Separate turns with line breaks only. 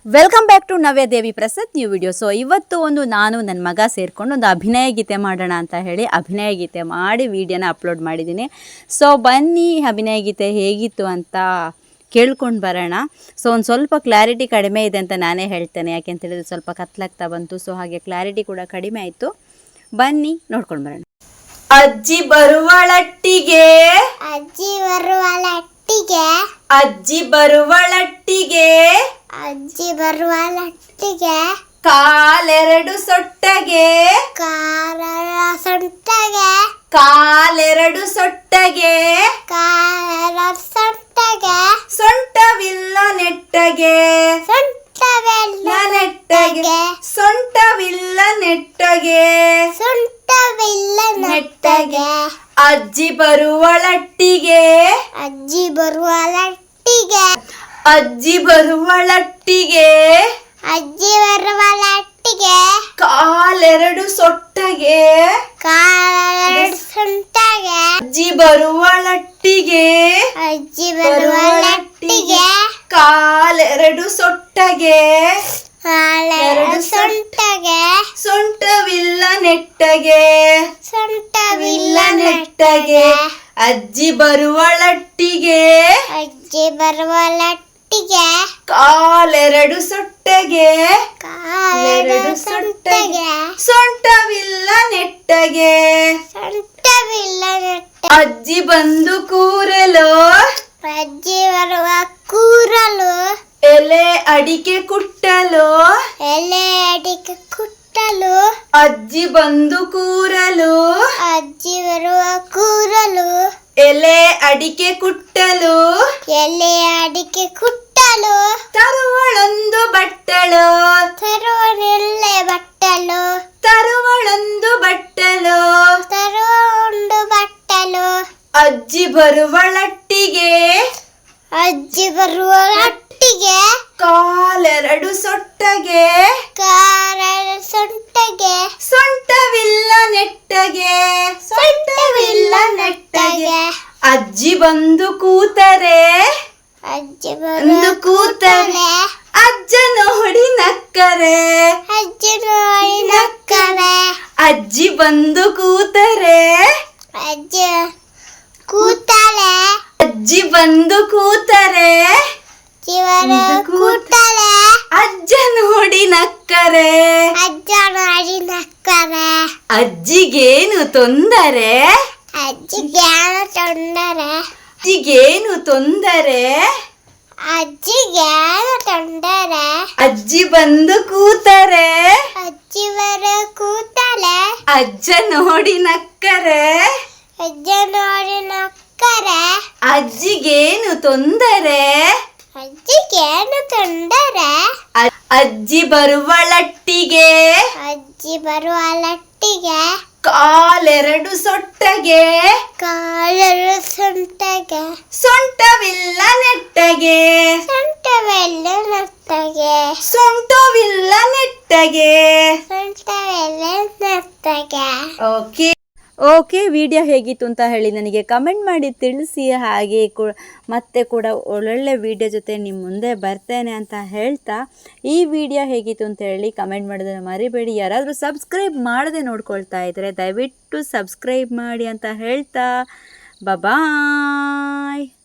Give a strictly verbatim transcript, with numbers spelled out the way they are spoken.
Welcome back to Navya Devi Prasad new video. So ಇವತ್ತು ಒಂದು ನಾನು ನನ್ನ ಮಗ ಸೇರಿಕೊಂಡು ಒಂದು ಅಭಿನಯ ಗೀತೆ ಮಾಡೋಣ ಅಂತ ಹೇಳಿ ಅಭಿನಯ ಗೀತೆ ಮಾಡಿ ವಿಡಿಯೋನ ಅಪ್ಲೋಡ್ ಮಾಡಿದ್ದೀನಿ. ಸೊ ಬನ್ನಿ ಅಭಿನಯ ಗೀತೆ ಹೇಗಿತ್ತು ಅಂತ ಕೇಳ್ಕೊಂಡು ಬರೋಣ. ಸೊ ಒಂದು ಸ್ವಲ್ಪ ಕ್ಲಾರಿಟಿ ಕಡಿಮೆ ಇದೆ ಅಂತ ನಾನೇ ಹೇಳ್ತೇನೆ, ಯಾಕೆ ಅಂತ ಹೇಳಿದ್ರೆ ಸ್ವಲ್ಪ ಕತ್ಲಾಗ್ತಾ ಬಂತು. ಸೊ ಹಾಗೆ ಕ್ಲಾರಿಟಿ ಕೂಡ ಕಡಿಮೆ ಆಯಿತು. ಬನ್ನಿ ನೋಡ್ಕೊಂಡು ಬರೋಣ. ಅಜ್ಜಿ ಬರುವಳಟ್ಟಿಗೆ
ಅಜ್ಜಿ ಬರುವಳಟ್ಟಿಗೆ
ಅಜ್ಜಿ ಬರುವಳಟ್ಟಿಗೆ
ಅಜ್ಜಿ ಬರುವಳಟ್ಟಿಗೆ
ಕಾಲೆರಡು ಸೊಟ್ಟಗೆ
ಕಾಲರ ಸೊಂಟಗೆ
ಕಾಲೆರಡು ಸೊಟ್ಟಗೆ
ಕಾಲರ ಸೊಂಟಗೆ
ಸೊಂಟವಿಲ್ಲ ನೆಟ್ಟಗೆ
ಸೊಂಟವೆಲ್ಲ
ನೆಟ್ಟಗೆ ಸೊಂಟವಿಲ್ಲ ನೆಟ್ಟಗೆ
ಸೊಂಟವಿಲ್ಲ ನೆಟ್ಟಗೆ
ಅಜ್ಜಿ ಬರುವಳಟ್ಟಿಗೆ
ಅಜ್ಜಿ ಬರುವಳಟ್ಟಿಗೆ
ಅಜ್ಜಿ ಬರುವಳಟ್ಟಿಗೆ
ಅಜ್ಜಿ ಬರುವಳಟ್ಟಿಗೆ
ಕಾಲೆರಡು ಸೊಟ್ಟಗೆ
ಕಾಲೆರಡು ಸೊಂಟಗೆ
ಅಜ್ಜಿ ಬರುವಳಟ್ಟಿಗೆ
ಅಜ್ಜಿ ಬರುವಳಟ್ಟಿಗೆ
ಕಾಲೆರಡು ಸೊಟ್ಟಗೆ
ಕಾಲೆರಡು ಸೊಂಟಗೆ
ಸೊಂಟವಿಲ್ಲ ನೆಟ್ಟಗೆ
ಸೊಂಟವಿಲ್ಲ
ನೆಟ್ಟಗೆ ಅಜ್ಜಿ ಬರುವಳಟ್ಟಿಗೆ
ಅಜ್ಜಿ ಬರುವಳಟ್ಟಿಗೆ
ಕಾಲೆರಡು ಸೊಟ್ಟಗೆ
ಕಾಲೆರಡು ಸೊಂಟಗೆ
ಸೊಂಟವಿಲ್ಲ ನೆಟ್ಟಗೆ
ಸೊಂಟವಿಲ್ಲ ನೆಟ್ಟ
ಅಜ್ಜಿ ಬಂದು ಕೂರಲು
ಅಜ್ಜಿ ಬರುವ ಕೂರಲು
ಎಲೆ ಅಡಿಕೆ ಕುಟ್ಟಲು
ಎಲೆ ಅಡಿಕೆ ಕುಟ್ಟಲು
ಅಜ್ಜಿ ಬಂದು ಕೂರಲು
ಅಜ್ಜಿ ಬರುವ ಕೂರಲು
ಎಲೆ ಅಡಿಕೆ ಕುಟ್ಟಲು
ಎಲೆ ಅಡಿಕೆ ಕುಟ್ಟಲು
ತರುವಳೊಂದು ಬಟ್ಟಲು
ತರುವನೆಲ್ಲೆ ಬಟ್ಟಲು
ತರುವಳೊಂದು ಬಟ್ಟಲು
ತರುವ ಒಂದು ಬಟ್ಟಲು
ಅಜ್ಜಿ ಬರುವಳಟ್ಟಿಗೆ
ಅಜ್ಜಿ ಬರುವಳಟ್ಟಿಗೆ
ಕಾಲೆರಡು ಸೊಟ್ಟಗೆ
ಕಾಲೆರಡು ಸೊಂಟಗೆ
ಸೊಂಟವಿಲ್ಲ ನೆಟ್ಟಗೆ ಸೊಂಟವಿಲ್ಲ ನೆಟ್ಟಗೆ ಅಜ್ಜಿ ಬಂದು ಕೂತರೆ
ಅಜ್ಜಿ
ಬಂದು
ಬರುವ
ಕೂತರೆ ಅಜ್ಜ ನೋಡಿ ನಕ್ಕರೆ
ಅಜ್ಜಿ ನೋಡಿ ನಕ್ಕರೆ
ಅಜ್ಜಿ ಬಂದು ಕೂತರೆ
ಅಜ್ಜಿ ಕೂತಲೆ
ಅಜ್ಜಿ ಬಂದು ಕೂತರೆ
ಜೀವನ ಕೂತಲೆ
ಅಜ್ಜ ನೋಡಿ ನಕ್ಕರೆ
ಅಜ್ಜ ನೋಡಿ ನಕ್ಕರೆ
ಅಜ್ಜಿಗೇನು ತೊಂದರೆ
ಅಜ್ಜಿಗೆ ಏನು ತೊಂದರೆ
ಅಜ್ಜಿಗೇನು ತೊಂದರೆ
ಅಜ್ಜಿಗೆ ಏನು ತೊಂದರೆ
ಅಜ್ಜಿ ಬಂದು ಕೂತರೆ
ಅಜ್ಜಿ ಬರ ಕೂತಲೆ
ಅಜ್ಜ ನೋಡಿ ನಕ್ಕರೆ
ಅಜ್ಜ ನೋಡಿ ನಕ್ಕರೆ
ಅಜ್ಜಿಗೇನು ತೊಂದರೆ
ಅಜ್ಜಿಗೆ ಏನು ತೊಂದರೆ
ಅ- ಅಜ್ಜಿ ಬರುವಳಟ್ಟಿಗೆ
ಅಜ್ಜಿ ಬರುವಳಟ್ಟಿಗೆ
ಕಾಲೆರಡು ಸೊಟ್ಟಗೆ
ಕಾಲರು ಸೊಂಟಗೆ
ಸೊಂಟವಿಲ್ಲ ನೆಟ್ಟಗೆ
ಸೊಂಟವೆಲ್ಲ ನತ್ತಗೆ
ಸೊಂಟವಿಲ್ಲ ನೆಟ್ಟಗೆ
ಸೊಂಟವೆಲ್ಲ ನತ್ತಗೆ.
ಓಕೆ ಓಕೆ ವಿಡಿಯೋ ಹೇಗಿತ್ತು ಅಂತ ಹೇಳಿ ನನಗೆ ಕಮೆಂಟ್ ಮಾಡಿ ತಿಳಿಸಿ. ಹಾಗೆ ಕೂ ಮತ್ತೆ ಕೂಡ ಒಳ್ಳೊಳ್ಳೆ ವಿಡಿಯೋ ಜೊತೆ ನಿಮ್ಮ ಮುಂದೆ ಬರ್ತೇನೆ ಅಂತ ಹೇಳ್ತಾ ಈ ವಿಡಿಯೋ ಹೇಗಿತ್ತು ಅಂತ ಹೇಳಿ ಕಮೆಂಟ್ ಮಾಡೋದನ್ನು ಮರಿಬೇಡಿ. ಯಾರಾದರೂ ಸಬ್ಸ್ಕ್ರೈಬ್ ಮಾಡದೆ ನೋಡ್ಕೊಳ್ತಾ ಇದ್ದರೆ ದಯವಿಟ್ಟು ಸಬ್ಸ್ಕ್ರೈಬ್ ಮಾಡಿ ಅಂತ ಹೇಳ್ತಾ ಬಾಯ್.